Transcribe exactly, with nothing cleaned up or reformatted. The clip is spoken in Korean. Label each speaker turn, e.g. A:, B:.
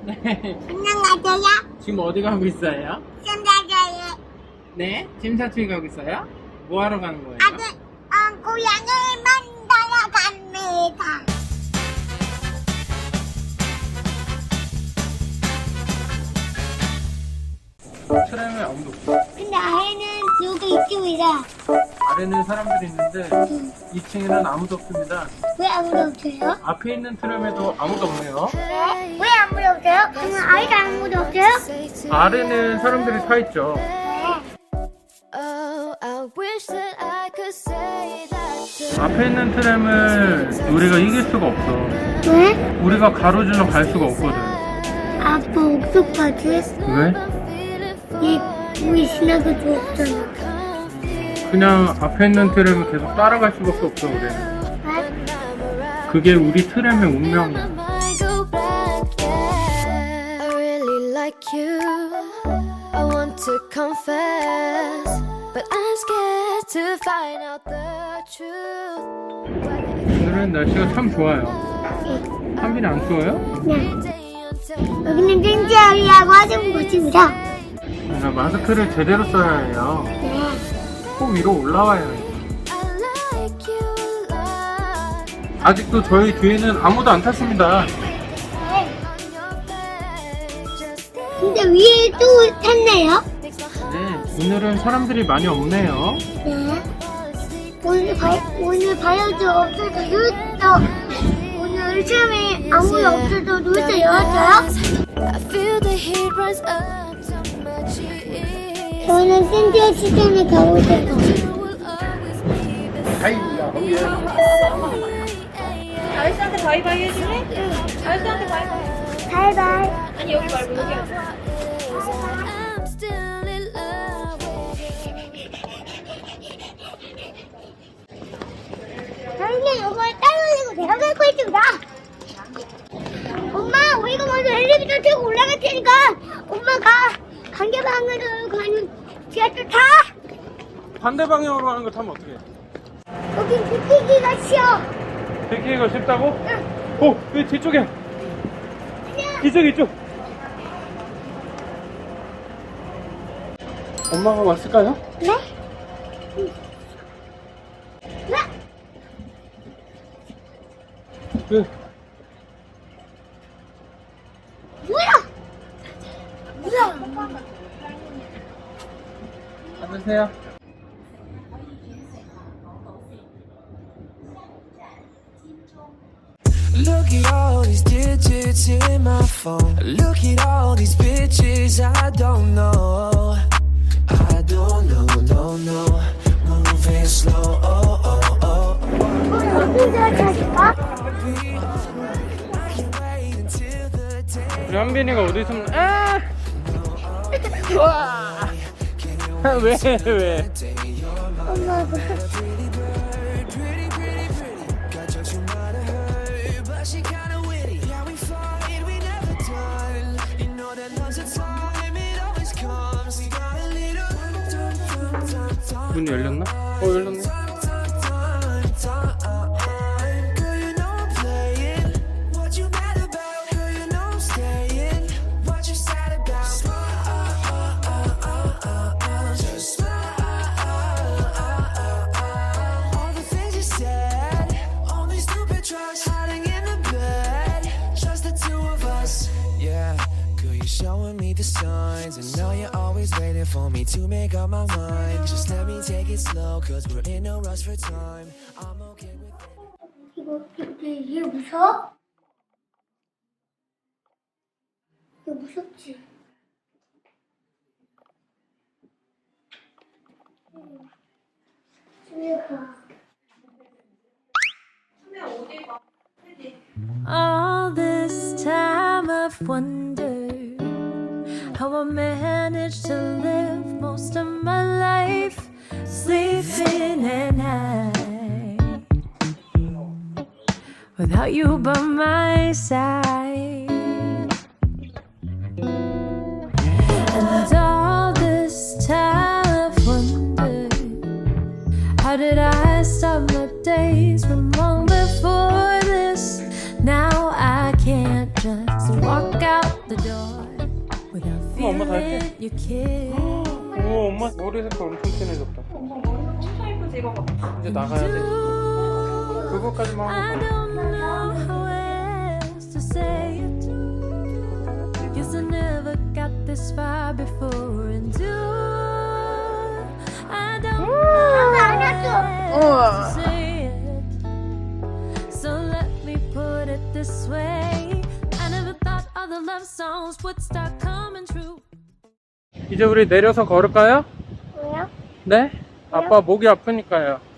A: 네.
B: 안녕하세요.
A: 지금 어디 가고 있어요?
B: 신다자의
A: 네? 짐 사투리 가고 있어요? 뭐 하러 가는 거예요?
B: 아들, 어, 고양이를 만나러 갑니다.
A: 트램에 아무도 없어.
B: 근데 아이는 여기 이쪽이라.
A: 아래는 사람들이 있는데 이 층에는 아무도 없습니다.
B: 왜 아무도 없어요?
A: 앞에 있는 트램에도 아무도 없네요.
B: 네? 왜 아무도 없어요? 그러면 아이도 아무도 없어요?
A: 아래는 사람들이 타 있죠.
B: 네.
C: Oh, I wish that I could say that to
A: 앞에 있는 트램을 우리가 이길 수가 없어.
B: 왜?
A: 우리가 가로질러 갈 수가 없거든.
B: 아빠 옥수까지?
A: 왜?
B: 얘 우리 지나가 줬잖아.
A: 그냥 앞에 있는 트램을 계속 따라갈 수밖에 없어 우리는.
B: 왜?
A: 그게 우리 트램의 운명이야.
C: I go back, yeah. I really like you. I want to confess, but I'm scared to find out the truth.
A: 오늘은 날씨가 참 좋아요. 한빈이 안 추워요?
B: 네. 여기는 땡지아리하고 하는 곳입니다.
A: 나 마스크를 제대로 써야 해요.
B: 네.
A: 코 위로 올라와야 해요.
C: I like you like
A: 아직도 저희 뒤에는 아무도 안 탔습니다.
B: 네.
C: on your face. Just
B: 근데 위에 또 탔네요.
C: makes my heart
A: 네, 오늘은 사람들이 많이 없네요.
B: 네. 오늘 바, 오늘 바이오즈 없어도 눈도 오늘 처음에 아무도 없어도 눈도 열었어요?
C: I feel the heat rise up to my cheek.
B: 저는 샌디어 시즌에 가고 싶어.
C: You will always be the
A: 아이야, 거기에.
D: 아저씨한테 바이바이 해줄래? 아저씨한테 바이바이.
B: 바이바이.
D: 아니 여기 말고 여기 하자.
C: I'm still in love with
B: 저희는 이걸 따돌리고 내려갈 거있습니다. 엄마, 우리가 먼저 엘리베이터 타고 올라갈 테니까 엄마가 관계방으로 가는 지하철 타.
A: 반대 방향으로 가는 거 타면 어떡해?
B: 여기 비키기가 쉬워.
A: 백기가 쉽다고?
B: 응.
A: 오, 왜 뒤쪽에? 이쪽, 이쪽. 엄마가 왔을까요?
B: 네? 네?
A: 네.
B: 뭐야? 뭐야?
A: 앉으세요.
E: Look at all these digits in my phone. Look at all these bitches I don't know. I don't know, no, no. Moving slow, oh, oh, oh.
B: 우리 어디서 자실까?
E: Can't wait until the day.
A: 우리 한빈이가 어디 있으면, 아! 와! 왜, 왜?
B: 엄마,
E: Pretty bird, pretty, pretty, pretty. Got jokes you might have heard, but she kinda witty. Yeah, we fight, we never done. You know that love's a time, it always comes. We got a little dun, dun, dun, dun.
A: 문 열렸나? 어, 열렸네.
E: Girl, you know I'm playing. What you mad about? Girl, you know I'm staying. What you sad about? Just all the things you said. Only stupid trust hiding in the bed. Just the two of us. Yeah. Girl, you're showing me the signs, and now you're always waiting for me to make up my mind. Just let me take it slow, cause we're in no rush for time. I'm okay with it.
B: 이거, 이거, 이게 무서워? 이거 무섭지? 집에 가.
C: all this time I've wondered how I managed to live most of my life sleeping at night without you by my side. And all this time I've wondered, how did I start my days from long before this? Now I can't
F: just walk out the door without
A: 엄마, 엄마 다
F: feeling
A: 했지?
F: your kiss.
A: 오, 엄마 머리 색깔 엄청 진해졌다.
D: 엄마 머리 엄청 예쁘지 이거 봐.
A: 이제 나가야 돼. 그거까지만
F: I
A: 하고.
F: don't know how else to say it. Guess I never got this far before, and do I don't know how else to say it. So let me put it this way. I never thought all the love songs would start coming true.
A: 이제 우리 내려서 걸을까요?
B: 왜요?
A: 네? 아빠 목이 아프니까요.